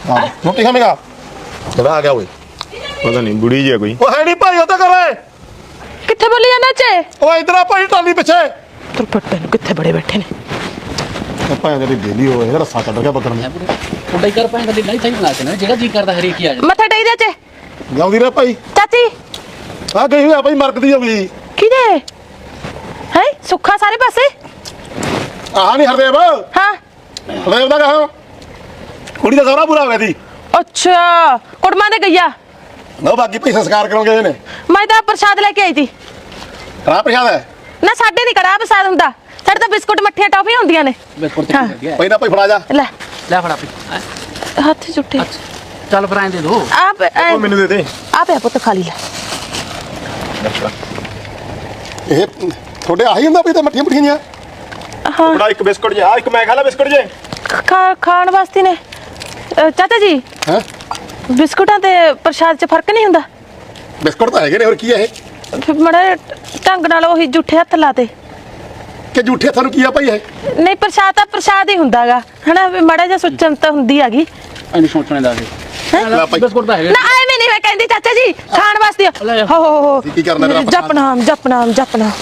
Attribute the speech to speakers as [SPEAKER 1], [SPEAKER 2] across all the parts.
[SPEAKER 1] रोटी खाएगा आ गया वो
[SPEAKER 2] पता नहीं बुढ़ी जी है कोई
[SPEAKER 1] है नहीं भाई होता कर रहे
[SPEAKER 3] किथे बोली जाना चे
[SPEAKER 1] ओ इधर आ भाई टाली पीछे
[SPEAKER 3] तुर पट्टे नु किथे बड़े बैठे ने
[SPEAKER 1] भाई तेरी डेली हो है रस्सा चढ़ गया बकरन
[SPEAKER 4] उड़ाई कर पाए कदी नहीं सही बना के ना जेड़ा जी करदा हरी की आ जा
[SPEAKER 3] मथा टेई दे चे
[SPEAKER 1] जाऊंगी रे भाई
[SPEAKER 3] चाची
[SPEAKER 1] आ गई हुई भाई मरकदी होगी
[SPEAKER 3] किदे है सुखा सारे पासे
[SPEAKER 1] आ नहीं हरदेव
[SPEAKER 3] हां
[SPEAKER 1] हरदेव दा कहा कुड़ी दा सौरा पूरा हो गया थी
[SPEAKER 3] अच्छा कुड़मा दे गया
[SPEAKER 1] ना बाकी भाई संस्कार करोगे ने
[SPEAKER 3] मैं तो प्रसाद लेके आई थी
[SPEAKER 1] कड़ा प्रसाद है
[SPEAKER 3] ना साडे नहीं कड़ा प्रसाद हुंदा साडे तो बिस्कुट मठिया टॉफी हुंदियां ने
[SPEAKER 4] बिस्कुट
[SPEAKER 3] हाँ।
[SPEAKER 4] ते
[SPEAKER 1] भाई ना भाई फड़ा जा
[SPEAKER 3] ले
[SPEAKER 4] ले फड़ा पी
[SPEAKER 3] हाथ जुटे
[SPEAKER 4] चल फिर आए दे दो
[SPEAKER 3] आप
[SPEAKER 2] ओ मैनू दे दे
[SPEAKER 3] आप पुत खा ली ले
[SPEAKER 1] ਇਹ ਤੁਹਾਡੇ ਆਹੀ ਹੁੰਦਾ ਵੀ ਤੇ ਮੱਠੀਆਂ ਮੱਠੀਆਂ
[SPEAKER 3] हाँ
[SPEAKER 2] बड़ा एक बिस्कुट जे एक मैं खा ला बिस्कुट जे
[SPEAKER 3] खाण वास्ते ने चाचा जी
[SPEAKER 1] ਹੈ
[SPEAKER 3] ਬਿਸਕੁਟਾਂ ਤੇ ਪ੍ਰਸ਼ਾਦ 'ਚ ਫਰਕ ਨਹੀਂ ਹੁੰਦਾ
[SPEAKER 1] ਬਿਸਕੁਟ ਤਾਂ ਹੈਗੇ ਨੇ ਹੋਰ ਕੀ ਹੈ ਇਹ
[SPEAKER 3] ਫਿਰ ਮੜਾ ਢੰਗ ਨਾਲ ਉਹੀ ਜੁੱਠੇ ਹੱਥ ਲਾਤੇ
[SPEAKER 1] ਕਿ ਝੂਠੇ ਤੁਹਾਨੂੰ ਕੀ ਆ ਭਾਈ ਇਹ
[SPEAKER 3] ਨਹੀਂ ਪ੍ਰਸ਼ਾਦ ਤਾਂ ਪ੍ਰਸ਼ਾਦ ਹੀ ਹੁੰਦਾਗਾ ਹਨਾ ਵੀ ਮੜਾ ਜਿਹਾ ਸੁਚਨ ਤਾਂ ਹੁੰਦੀ ਹੈਗੀ
[SPEAKER 4] ਇਹਨੂੰ ਸੋਚਣੇ ਦਾ
[SPEAKER 1] ਲੈ ਭਾਈ
[SPEAKER 4] ਬਿਸਕੁਟ ਤਾਂ ਹੈਗੇ
[SPEAKER 3] ਨਾ ਐਵੇਂ ਨਹੀਂ ਮੈਂ ਕਹਿੰਦੀ ਚਾਚਾ ਜੀ ਖਾਣ ਵਾਸਤੇ ਹੋ
[SPEAKER 1] ਕੀ ਕਰਨਾ ਮੇਰਾ
[SPEAKER 3] ਜਪਨਾਮ ਜਪਨਾਮ ਜਪਨਾਮ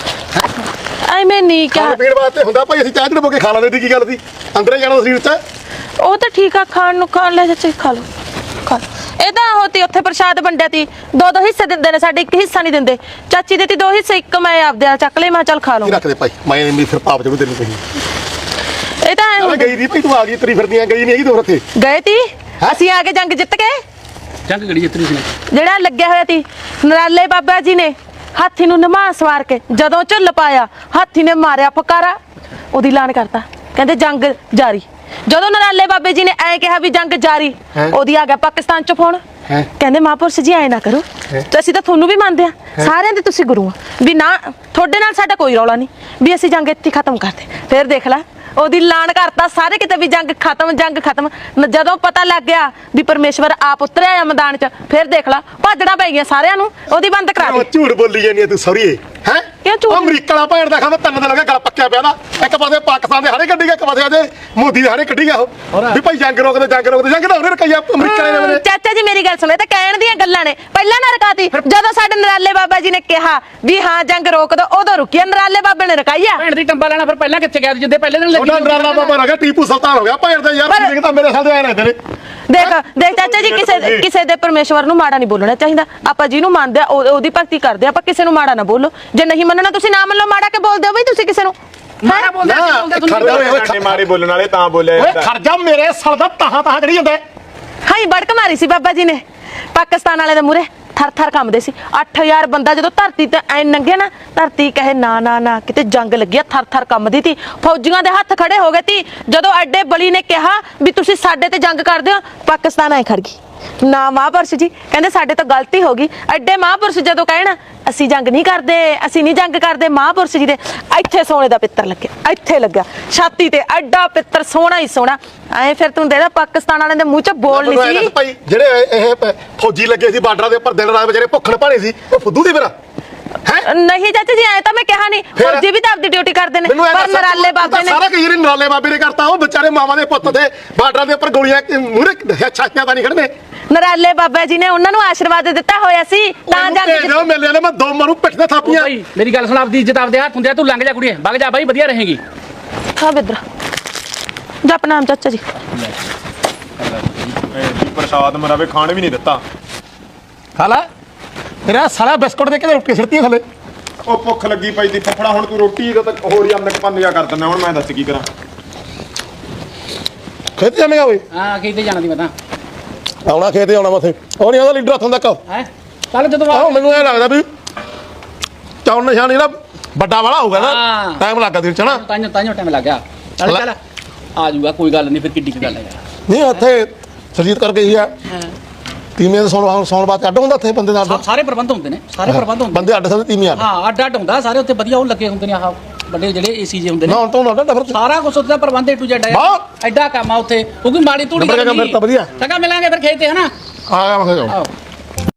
[SPEAKER 3] ਐਵੇਂ ਨਹੀਂ
[SPEAKER 1] ਖਾਣ
[SPEAKER 3] ਕਿਹਾ
[SPEAKER 1] ਪੀਣ ਵਾਸਤੇ ਹੁੰਦਾ ਭਾਈ ਅਸੀਂ ਚਾਹ ਚੜੋ ਕੇ ਖਾ ਲੈਂਦੇ ਦੀ ਕੀ ਗੱਲ ਸੀ ਅੰਦਰੇ ਜਾਣਾ ਸਰੀਰ 'ਚ
[SPEAKER 3] ਉਹ ਤਾਂ ਠੀਕ ਆ ਖਾਣ ਨੂੰ ਖਾਣ ਲੈ ਚਾਚਾ ਜੀ, ਖਾ ਲਓ ਖਾ ਲਓ ਇਹ ਤਾਂ ਹੋਤੀ ਉੱਥੇ ਪ੍ਰਸ਼ਾਦ ਵੰਡਿਆ ਤੀ ਦੋ ਹਿੱਸੇ ਦਿੰਦੇ ਨੇ ਸਾਡੇ ਇੱਕ ਹਿੱਸਾ ਨਹੀਂ ਦਿੰਦੇ ਚਾਚੀ ਦੇ ਤੀ ਦੋ ਹਿੱਸੇ ਇੱਕ ਮੈਂ ਆਪਦੇ ਨਾਲ ਚੱਕ ਲਈ ਮੈਂ ਚੱਲ ਖਾ
[SPEAKER 1] ਕੀ
[SPEAKER 3] ਲਵਾਂ
[SPEAKER 1] ਰੱਖ ਦੇ ਭਾਈ ਮੈਂ ਨਹੀਂ ਫਿਰ ਪਾਪ ਚੜੂ ਤੈਨੂੰ ਕਹੀ
[SPEAKER 3] ਇਹ ਤਾਂ ਐਂ
[SPEAKER 1] ਅਰੇ ਗਈ ਦੀ ਭਾਈ ਤੂੰ ਆ ਗਈ ਤੇਰੀ ਫਿਰਦੀਆਂ ਗਈ ਨਹੀਂ ਹੈਗੀ ਤੂੰ ਉੱਥੇ
[SPEAKER 3] ਗਏ ਤੀ ਅਸੀਂ ਆ ਕੇ ਜੰਗ ਜਿੱਤ ਕੇ
[SPEAKER 4] ਜੰਗ ਗੜੀ ਜਿੱਤਰੀ ਸੀ
[SPEAKER 3] ਜਿਹੜਾ ਲੱਗਿਆ ਹੋਇਆ ਤੀ ਨਰਾਲੇ ਬਾਬਾ ਜੀ ਨੇ ਹਾਥੀ ਨੂੰ ਨਮਾ ਸਵਾਰ ਕੇ ਜਦੋਂ ਝੁੱਲ ਪਾਇਆ ਹਾਥੀ ਨੇ ਮਾਰਿਆ ਫਕਾਰਾ ਉਹਦੀ ਐਲਾਨ ਕਰਤਾ ਕਹਿੰਦੇ ਜੰਗ ਜਾਰੀ ਜਦੋਂ ਨਰਾਲੇ ਬਾਬੇ ਜੀ ਨੇ ਐ ਕਿਹਾ ਵੀ ਜੰਗ ਜਾਰੀ ਉਹਦੀ ਆ ਗਿਆ ਪਾਕਿਸਤਾਨ ਚ ਫੋਨ ਕਹਿੰਦੇ ਮਹਾਂਪੁਰਸ਼ ਜੀ ਐ ਨਾ ਕਰੋ ਤੇ ਅਸੀਂ ਤਾਂ ਤੁਹਾਨੂੰ ਵੀ ਮੰਨਦੇ ਆ ਸਾਰਿਆਂ ਦੇ ਤੁਸੀਂ ਗੁਰੂ ਆ ਵੀ ਨਾ ਤੁਹਾਡੇ ਨਾਲ ਸਾਡਾ ਕੋਈ ਰੌਲਾ ਨਹੀਂ ਵੀ ਅਸੀਂ ਜੰਗ ਇੱਥੇ ਖਤਮ ਕਰਦੇ ਫਿਰ ਦੇਖ ਲੈ ਉਹਦੀ ਐਲਾਨ ਕਰਤਾ ਸਾਰੇ ਕਿਤੇ ਵੀ ਜੰਗ ਖਤਮ ਜਦੋਂ ਪਤਾ ਲੱਗ ਗਿਆ ਵੀ ਪਰਮੇਸ਼ਵਰ ਆਪ ਉਤਰਿਆ ਆ ਮੈਦਾਨ 'ਚ ਫਿਰ ਦੇਖ ਲਾ ਭਾਜੜਾ ਪੈ ਗਿਆ ਸਾਰਿਆਂ ਨੂੰ ਉਹਦੀ ਬੰਦ ਕਰਾ ਦੇ
[SPEAKER 1] ਝੂਠ ਬੋਲੀ ਜਾਂਦੀ ਤੂੰ ਸੌਰੀਏ ਹੈ
[SPEAKER 3] ਕਿਉਂ ਝੂਠ
[SPEAKER 1] ਅਮਰੀਕਾ ਵਾਲਾ ਭੈਣ ਦਾ ਖਾਂਦਾ ਤਿੰਨ ਦਿਨ ਹੋ ਗਏ ਗਲ ਪੱਕਿਆ ਪਿਆ ਨਾ ਇੱਕ ਪਾਸੇ ਪਾਕਿਸਤਾਨ ਦੇ ਹਾੜੇ ਕੱਢੀ ਗਿਆ ਇੱਕ ਪਾਸੇ ਅਜੇ ਮੋਦੀ ਦੇ ਹਾੜੇ ਕੱਢੀ ਗਿਆ ਉਹ ਵੀ ਭਾਈ ਜੰਗ ਰੋਕਦੇ ਜੰਗ ਤਾਂ ਉਹਨੇ ਰਕਾਇਆ ਅਮਰੀਕਾ ਨੇ
[SPEAKER 3] ਚਾਚਾ ਜੀ ਮੇਰੀ ਗੱਲ ਸੁਣੋ ਇਹ ਤਾਂ ਕਹਿਣ ਦੀਆਂ ਗੱਲਾਂ ਨੇ ਪਹਿਲਾਂ ਨਾ ਰਕਾਤੀ ਜਦੋਂ ਸਾਡੇ ਨਰਾਲੇ ਬਾਬਾ ਜੀ ਨੇ ਕਿਹਾ ਵੀ ਹਾਂ ਜੰਗ ਰੋਕ ਦੋ ਉਦੋਂ ਰੁਕਿਆ ਨਰਾਲੇ ਬਾਬੇ ਨੇ ਰਕਾਈਆ
[SPEAKER 4] ਭੈਣ ਦੀ ਟੰਬਾ ਲੈਣਾ ਫਿਰ ਪਹਿਲਾਂ ਕਿੱਥੇ ਗਿਆ ਜਿੱਦੇ ਪਹਿਲੇ ਦਿਨ
[SPEAKER 1] ਉਹਨਾਂ ਨਰਾਲਾ ਬਾਬਾ ਹੋ ਗਿਆ ਟੀਪੂ ਸੁਲਤਾਨ ਹੋ ਗਿਆ ਭੈਣ ਦਾ ਯਾਰ ਸਿੰਘ ਤਾਂ ਮੇਰੇ ਸਾਹ ਦੇ ਆਏ ਨੇ ਤੇਰੇ
[SPEAKER 3] ਦੇਖ ਚਾਚਾ ਜੀ ਕਿਸੇ ਦੇ ਪਰਮੇਸ਼ਵਰ ਨੂੰ ਮਾੜਾ ਨਹੀਂ ਬੋਲਣਾ ਚਾਹੀਦਾ ਆਪਾਂ ਜਿਹਨੂੰ ਮੰਨਦੇ ਆ ਉਹਦੀ ਭਗਤੀ ਕਰਦੇ ਆ ਆਪਾਂ ਕਿਸੇ ਨੂੰ ਮਾੜਾ ਨਾ ਬੋਲੋ ਜੇ ਨਹੀਂ ਮੰਨਣਾ ਤੁਸੀਂ ਨਾ ਮੰਨ ਲਓ ਮਾੜਾ ਕੇ ਬੋਲਦੇ ਹੋ ਬਈ ਤੁਸੀਂ ਕਿਸੇ ਨੂੰ
[SPEAKER 4] ਮਾੜਾ ਬੋਲਦੇ
[SPEAKER 2] ਮਾੜੇ ਬੋਲਣ ਵਾਲੇ ਤਾਂ ਬੋਲੇ
[SPEAKER 1] ਓਏ ਖਰਜਾ ਮੇਰੇ ਸਰ ਦਾ ਤਾਹਾਂ ਜਿਹੜੀ ਹੁੰਦਾ
[SPEAKER 3] ਹਾਈ ਬੜਕ ਮਾਰੀ ਸੀ ਬਾਬਾ ਜੀ ਨੇ ਪਾਕਿਸਤਾਨ ਵਾਲੇ ਦੇ ਮੂਰੇ ਥਰ ਕੰਮਦੇ ਸੀ 8000 ਬੰਦਾ ਜਦੋਂ ਧਰਤੀ ਤੇ ਐ ਨੰਗੇ ਨਾ ਧਰਤੀ ਕਹੇ ਨਾ ਕਿਤੇ ਜੰਗ ਲੱਗੀ ਥਰ ਕੰਮਦੀ ਤੀ ਫੌਜੀਆਂ ਦੇ ਹੱਥ ਖੜੇ ਹੋ ਗਏ ਤੀ ਜਦੋਂ ਐਡੇ ਬਲੀ ਨੇ ਕਿਹਾ ਵੀ ਤੁਸੀਂ ਸਾਡੇ ਤੇ ਜੰਗ ਕਰਦੇ ਹੋ ਪਾਕਿਸਤਾਨ ਐ ਖੜ ਗਈ ਨਾ ਮਹਾਂਪੁਰਸ਼ ਜੀ ਕਹਿੰਦੇ ਸਾਡੇ ਤੋਂ ਗਲਤੀ ਹੋ ਗਈ ਐਡੇ ਮਹਾਂਪੁਰਸ਼ ਜਦੋਂ ਕਹਿਣ ਅਸੀਂ ਜੰਗ ਨਹੀਂ ਕਰਦੇ ਮਹਾਂਪੁਰਸ਼ ਜੀ ਦੇ ਇੱਥੇ ਸੋਨੇ ਦਾ ਪਿੱਤਰ ਲੱਗਿਆ ਇੱਥੇ ਲੱਗਾ ਛਾਤੀ ਤੇ ਐਡਾ ਪਿੱਤਰ ਸੋਹਣਾ ਹੀ ਸੋਹਣਾ ਐ ਫਿਰ ਤੂੰ ਦੇਦਾ ਪਾਕਿਸਤਾਨ ਵਾਲਿਆਂ ਦੇ ਮੂੰਹ 'ਚ ਬੋਲ ਨਹੀਂ ਸੀ
[SPEAKER 1] ਭਾਈ ਜਿਹੜੇ ਇਹ ਫੌਜੀ ਲੱਗੇ ਸੀ ਬਾਰਡਰਾਂ ਦੇ ਉੱਪਰ ਦਿਨ ਰਾਤ ਵਿਚਾਰੇ ਭੁੱਖਣ ਭਾਣੇ ਸੀ ਉਹ ਫੁੱਦੂ ਦੀ ਮੇਰਾ
[SPEAKER 3] ਨਹੀਂ ਚਾਚਾ ਜੀ ਐ ਤਾਂ ਮੈਂ ਕਿਹਾ ਨਹੀਂ ਫੌਜੀ ਵੀ ਤਾਂ ਆਪਦੀ ਡਿਊਟੀ ਕਰਦੇ ਨੇ ਪਰ ਨਰਾਲੇ ਬਾਬੇ ਨੇ
[SPEAKER 1] ਸਾਰਾ ਕਈ ਨਰਾਲੇ ਬਾਬੇ ਨੇ ਕਰਤਾ ਉਹ ਵਿਚਾਰੇ ਮਾਵਾਂ ਦੇ ਪੁੱਤ ਤੇ ਬਾਰਡਰਾਂ ਦੇ ਉੱਪਰ ਗੋਲੀਆਂ ਮੂਹਰੇ ਛਾਤੀਆਂ ਤਾਂ ਨਹੀਂ ਖੜਨੇ
[SPEAKER 3] ਨਰਾਲੇ ਬਾਬਾ ਜੀ ਨੇ ਉਹਨਾਂ ਨੂੰ ਆਸ਼ੀਰਵਾਦ ਦਿੱਤਾ ਹੋਇਆ ਸੀ ਤਾਂ ਜਾ ਕੇ
[SPEAKER 1] ਮੇਲੇ ਨੇ ਮੈਂ ਦੋ ਮਾਰੂ ਪਿੱਠ ਤੇ ਥਾਪੀਆਂ
[SPEAKER 4] ਭਾਈ ਮੇਰੀ ਗੱਲ ਸੁਣ ਆਪਦੀ ਇੱਜ਼ਤ ਆਪਦੇ ਹੱਥ ਹੁੰਦੇ ਆ ਤੂੰ ਲੰਘ ਜਾ ਕੁੜੀਏ ਵਗ ਜਾ ਬਾਈ ਵਧੀਆ ਰਹੇਗੀ
[SPEAKER 3] ਹਾਂ ਬਿੱਦਰ ਜਪ ਨਾਮ ਚਾਚਾ ਜੀ
[SPEAKER 2] ਪ੍ਰਸਾਦ ਮਰਾਵੇ ਖਾਣ ਵੀ ਨਹੀਂ ਦਿੱਤਾ
[SPEAKER 1] ਖਾ ਲੈ ਤੇਰਾ ਸਾਲਾ ਬਿਸਕੁਟ ਦੇ ਕੇ ਰੋਟੀ ਸਿਰਤੀ ਥੱਲੇ
[SPEAKER 2] ਉਹ ਭੁੱਖ ਲੱਗੀ ਪਈ ਦੀ ਫਫੜਾ ਹੁਣ ਤੂੰ ਰੋਟੀ ਦਾ ਤਾਂ ਹੋਰ ਹੀ ਅੰਨਕ ਪੰਨਿਆ ਕਰ ਦਿੰਦਾ ਹੁਣ ਮੈਂ ਦੱਸ ਕੀ ਕਰਾਂ
[SPEAKER 1] ਖੇਤ ਜਾਵੇਂਗਾ ਓਏ
[SPEAKER 4] ਹਾਂ ਕਿਤੇ ਜਾਣਾ ਦੀ ਮੈਂ ਤਾਂ
[SPEAKER 1] ਆਉਣਾ ਖੇਤ ਆਉਣਾ ਮਥੇ ਉਹ ਨਹੀਂ ਆਉਂਦਾ ਲੀਡਰ ਹੱਥੋਂ ਤੱਕ
[SPEAKER 4] ਹੈ ਚੱਲ ਜਦੋਂ
[SPEAKER 1] ਆਹ ਮੈਨੂੰ ਇਹ ਲੱਗਦਾ ਵੀ ਚੌਣ ਨਿਸ਼ਾਨ ਜਿਹੜਾ ਵੱਡਾ ਵਾਲਾ ਹੋਊਗਾ ਨਾ ਟਾਈਮ ਲੱਗਾ ਦਿਲ ਚ ਨਾ
[SPEAKER 4] ਤਾਂਿਓ ਟਾਈਮ ਲੱਗ ਗਿਆ ਚੱਲ ਆ ਜਾਊਗਾ ਕੋਈ ਗੱਲ ਨਹੀਂ ਫਿਰ ਕਿੱਡੀ ਕੀ ਗੱਲ ਹੈ ਯਾਰ
[SPEAKER 1] ਨਹੀਂ ਉੱਥੇ ਸਰਜੀਤ ਕਰਕੇ ਹੀ ਆ ਤੀਮੀਆਂ ਦੇ ਸੌਣ ਬਾਅਦ ਅੱਡ ਹੁੰਦਾ ਉੱਥੇ ਬੰਦੇ ਦਾ
[SPEAKER 4] ਸਾਰੇ ਪ੍ਰਬੰਧ ਹੁੰਦੇ ਨੇ
[SPEAKER 1] ਬੰਦੇ ਅੱਡ ਸਕਦੇ ਤੀਮੀਆਂ
[SPEAKER 4] ਹਾਂ ਅੱਡ ਹੁੰਦਾ ਸਾਰੇ ਉੱਥੇ ਵਧੀਆ ਉਹ ਲੱਗੇ ਹੁੰਦੇ ਨੇ ਆਹ ਵੱਡੇ ਜਿਹੜੇ ਏਸੀ ਜੇ ਹੁੰਦੇ ਨੇ
[SPEAKER 1] ਨਾ ਹੁਣ ਤੋਂ ਅੱਡ ਫਿਰ
[SPEAKER 4] ਸਾਰਾ ਕੁਝ ਉੱਥੇ ਦਾ ਪ੍ਰਬੰਧ ਏ ਟੂ ਜ਼ੈਡ ਹੈ ਐਡਾ ਕੰਮ ਆ ਉੱਥੇ ਕਿਉਂਕਿ ਮਾੜੀ ਧੂੜੀ
[SPEAKER 1] ਵਧੀਆ
[SPEAKER 4] ਚੰਗਾ ਮਿਲਾਂਗੇ ਫਿਰ ਖੇਤ ਤੇ ਹਨਾ
[SPEAKER 1] ਆ ਗਿਆ ਮੈਂ